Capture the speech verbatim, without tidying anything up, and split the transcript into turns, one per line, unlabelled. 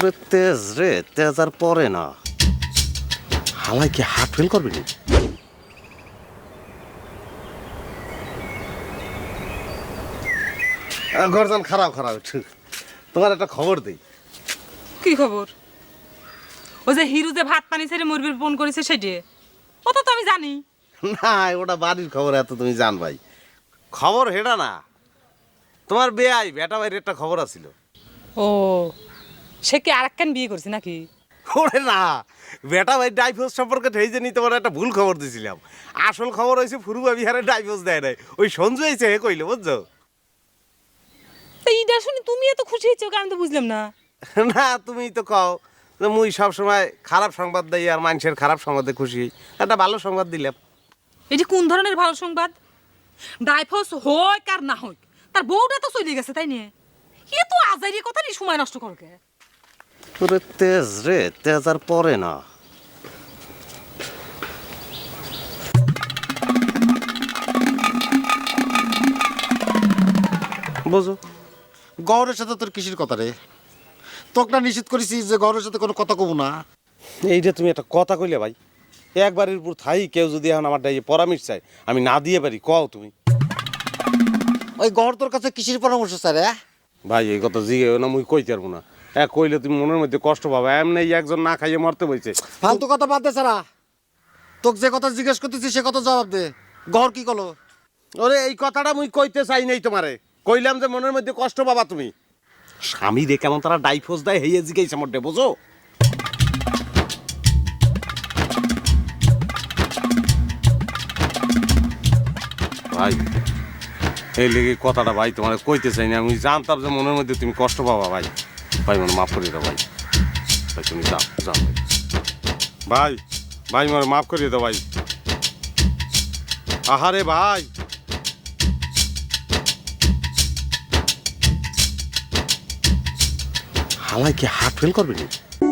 ওরে তেজ রে, তেজ আর পরে না। হালাই কি হার্ট ফেল করবি নি? গরজান খারাপ খারাপ, তোমার একটা খবর দেই।
কি খবর? ও যে হিরু যে ভাত পানি ছেড়ে মুরগির ফোন করেছে সেটি ওটা তো আমি জানি
না, ওটা বাড়ির খবর, এত তুমি জান ভাই। খবর হেডা না, তোমার বেয়াই বেটা ভাইয়ের একটা খবর আছিল।
ও সে কি আর একখান বিয়ে করছে নাকি?
ওরে না, বেটা ভাই ডাইভোর্স সম্পর্কে এই যে তোমার একটা ভুল খবর দিছিলাম। আসল খবর হয়েছে ফুরুবা বিহারে ডাইভোর্স দেয় নাই, ওই সঞ্জু হয়েছে হে কইলে, বুঝছো?
তো এইটা শুনে তুমি এত খুশি হয়েছো আমি তো বুঝলাম না।
না, তুমি তো কও যে মুই সব সময় খারাপ সংবাদ দেই আর মানুষের খারাপ সংবাদে খুশি, একটা ভালো সংবাদ দিলাম।
এটি কোন ধরনের ভালো সংবাদ? ডাইভোর্স হোক আর না হোক তার বউটা তো চলে গেছে, তাই নিয়ে এ তো আজাইরি কথা নিয়ে সময় নষ্ট করকে।
ওরে তেজ রে, তেজ আর পরে না। বুঝো,
গৌরের সাথে তোর কিসের কথা রে? তোকে না নিষেধ করেছি যে গৌরের সাথে কোনো কথা কব না।
এইটা তুমি একটা কথা কইলে ভাই। একবারের উপর থাই কেউ যদি এখন আমার ডাইয়ে পরামর্শ চাই, আমি না দিয়ে পারি, কও তুমি।
ওই গৌর তোর কাছে কিসের পরামর্শ স্যার? হ্যাঁ
ভাই, এই কথা জিগে না, মুই কইতে পারবো না। এক কইলে তুমি মনের মধ্যে কষ্ট পাবে। এমনি একজন না খাইয়ে মরতে বইছে।
ফালতু কথা বাদ দে সারা। তোকে যে কথা জিজ্ঞেস করতেছি সে কথা জবাব দে। গৌর কি করলো?
ওরে, এই কথাটা মুই কইতে চাই নাই তোমারে। কইলাম যে মনের মধ্যে কষ্ট পাবা তুমি। স্বামী রে কেমন তারা ডাইভোর্স দেয় হেয়ে জিগাইছে মোটে, বুঝো? ভাই, এই লেগে কথাটা ভাই তোমার কইতে চাই না। আমি জানতাম যে মনের মধ্যে তুমি কষ্ট পাবা ভাই। ভাই মনে মাফ করে দাও ভাই। ভাই তুমি যাও যাও ভাই। ভাই ভাই মনে মাফ করে দাও ভাই। আহারে ভাই, হালাই কি হার্ট ফেল করবি নি?